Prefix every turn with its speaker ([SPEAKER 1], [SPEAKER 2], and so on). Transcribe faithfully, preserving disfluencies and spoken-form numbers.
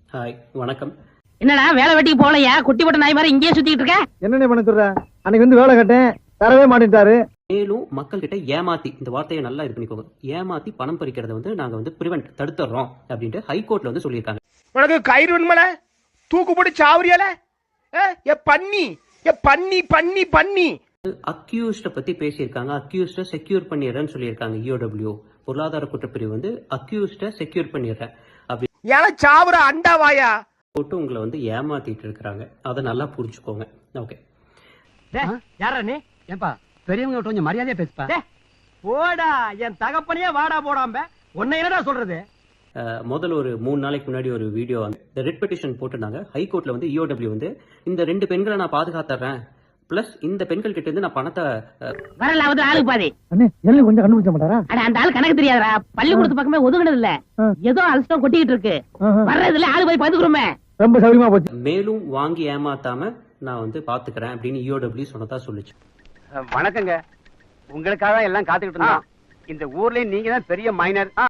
[SPEAKER 1] Hi, வணக்கம்.
[SPEAKER 2] என்னடா வேலை வெட்டிக்கு போகலையா? குட்டி போட்ட நாய் மாதிரி இங்கேயே சுத்திட்டு இருக்க.
[SPEAKER 3] என்னென்ன பண்ண சொல்ற? அன்னைக்கு வந்து வேலை கட்டேன், தரவே மாட்டேன்ட்டாரு.
[SPEAKER 1] மேலும் மக்கள் கிட்ட ஏமாத்தி, இந்த வார்த்தையை நல்லா இது பண்ணிக்கோங்க, ஏமாத்தி பணம் பறிக்கிறத வந்து நாங்க வந்து பிரிவென்ட் தடுத்துறோம் அப்படின்ட்டு ஹைகோர்ட்ல வந்து சொல்லியிருக்காங்க.
[SPEAKER 4] உனக்கு கயிறு வேணுமல, தூக்கு போட்டு சாவரியால ஏ பண்ணி ஏ பண்ணி பண்ணி பண்ணி
[SPEAKER 1] அக்யூஸ்ட பத்தி பேசியிருக்காங்க. அக்யூஸ்ட செக்யூர் பண்ணிடுறேன்னு சொல்லியிருக்காங்க. இஓடபிள்யூ பொருளாதார குற்றப்பிரிவு வந்து அக்யூஸ்ட செக்யூர் பண்ணிடுறேன் அப்படி
[SPEAKER 4] ஏல சாவர அண்டாவாயா
[SPEAKER 1] போட்டு உங்களை வந்து ஏமாத்திட்டு இருக்காங்க. அதை நல்லா புரிஞ்சுக்கோங்க. ஓகே,
[SPEAKER 5] யாரா நீ? ஏன்பா பெரியவங்க கொஞ்சம் மரியாதையா பேசுப்பா. போடா, என் தகப்பனையே வாடா போடாம உன்னை என்னடா சொல்றது?
[SPEAKER 1] முதல்ல ஒரு மூணு நாளைக்கு முன்னாடி ஒரு வீடியோ வந்து ரெட் பெட்டிஷன் போட்டிருந்தாங்க. ஹைகோர்ட்ல வந்து இஓடபிள்யூ வந்து இந்த ரெண்டு பெண்களை நான் பாதுகாத்துறேன், பிளஸ் இந்த பெண்கள் கிட்ட இருந்து நான் பணத்தை
[SPEAKER 2] வரல வந்து ஆளுக்கு பாதி.
[SPEAKER 3] அண்ணே எல்லாம் கொஞ்சம் கண்டுபிடிச்ச மாட்டாரா?
[SPEAKER 2] அட அந்த ஆளு கணக்கு தெரியாதா? பள்ளிக்கூடத்து பக்கமே ஒதுங்கினது இல்ல, ஏதோ அலசம் கொட்டிக்கிட்டு இருக்கு. வர்றதுல ஆளு போய் பாத்துக்கிறோமே.
[SPEAKER 3] ரொம்ப சௌரியமா போச்சு.
[SPEAKER 1] மேலும் வாங்கி ஏமாத்தாம நான் வந்து பாத்துக்கிறேன் அப்படின்னு இஓடபிள்யூ சொன்னதா சொல்லுச்சு.
[SPEAKER 5] வணக்கங்க, உங்களுக்காக எல்லாம் காத்துக்கிட்டு இருந்தோம். இந்த ஊர்லயும் நீங்க தான் பெரிய மைனர்.